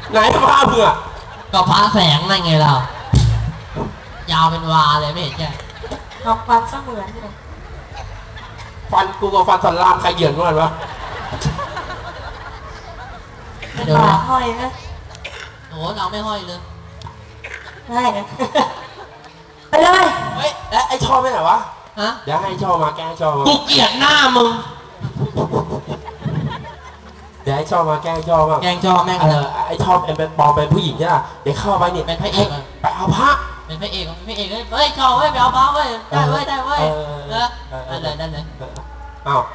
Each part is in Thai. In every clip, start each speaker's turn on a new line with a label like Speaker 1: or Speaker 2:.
Speaker 1: ไหนพระมึงอะ
Speaker 2: ก็พระแสงนั่นไงเรายาวเป็นวาเลยไม่เห็นแค่
Speaker 3: ลองฟันเสมือนเลย
Speaker 1: ฟันกูกับฟันสันรามใครเหยียดกันวะ
Speaker 3: เป็นหมาห้อยนะ
Speaker 2: โอ้เราไม่ห้อยเลย
Speaker 3: ได้นะไปเลย
Speaker 1: เฮ้ยไอ้ชอบไปไหนวะ
Speaker 2: ฮะ
Speaker 1: เดี๋ยวให้ชอบมาแกล้งชอบ
Speaker 2: กูเกลียดหน้ามึง
Speaker 1: เดี๋ยวให้ชอบมาแกล้งชอบมา
Speaker 2: แกล้งชอบแม่งเลย
Speaker 1: ไอ้ชอบเป็นปลอมเป็นผู้หญิงใช่ไหมเดี๋ยวเข้าไปเนี่ย
Speaker 2: เป็นพระเอก
Speaker 1: ไปเอาพระ
Speaker 2: เป็นพระเอกเป็นพระเอกเฮ้ยชอบเว้ยไปเอาพระเว้ยได้เว้ยได้เว้ยนั่นเลย
Speaker 1: อ้าว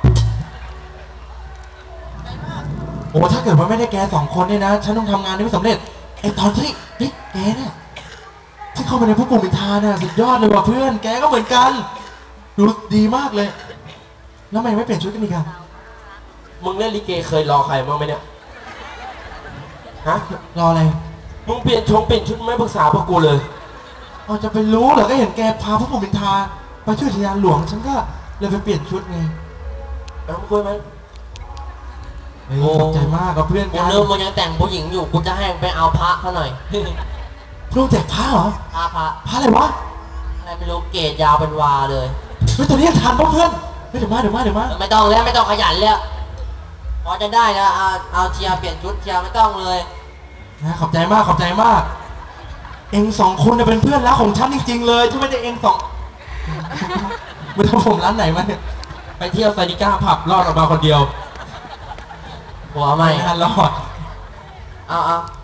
Speaker 4: โอ้ถ้าเกิดว่าไม่ได้แก2 คนเนี่ยนะฉันต้องทำงานได้ไม่สำเร็จไอตอนที่แกเนี่ยที่เข้าไปในพวกกลุ่มอินทาน่ะสุดยอดเลยว่ะเพื่อนแกก็เหมือนกันดูดีมากเลยแล้วทำไมไม่เปลี่ยนชุดกันอีกอะ
Speaker 1: มึงเล่นลิเกเคยรอใครบ้างไหมเนี่ยฮะ
Speaker 4: รออะไร
Speaker 1: มึงเปลี่ยนชุดไม่ปรึกษาพวกกูเลย
Speaker 4: เราจะไปรู้เหรอก็เห็นแกพาพวกกลุ่มอินทาไปช่วยอุทยานหลวงฉันก็เลยไปเปลี่ยนชุดไง
Speaker 1: แล้วมึงคุยไหม
Speaker 4: โอ้ใจมากกับเพื่อน
Speaker 2: กันเริ่มมึงยังแต่งผู้หญิงอยู่กูจะให้ไปเอาพระเขาหน่อย
Speaker 4: พระแจกพระเหรอ
Speaker 2: พระ
Speaker 4: อะไรวะ
Speaker 2: อะไรไม่รู้เกศยาวเป็นวาเลย
Speaker 4: เฮ้ยตอนนี้ทันป่ะเพื่อนเดี๋ยวมา
Speaker 2: ไม่ต้องแล้วไม่ต้องขยันแล้วพอจะได้แล้วเอาเชียร์เปลี่ยนชุดเชียร์ไม่ต้องเลย
Speaker 4: นะขอบใจมากเอง2 คนเนี่ยเป็นเพื่อนรักของฉันจริงๆเลยถ้าไม่ได้เอง2ไม่ต้องผมร้านไหนมาเนี่ย
Speaker 1: ไปเที่ยวไซนิก้าผับรอดออกมาคนเดียว
Speaker 2: หัวไม่
Speaker 4: รอด
Speaker 2: เอา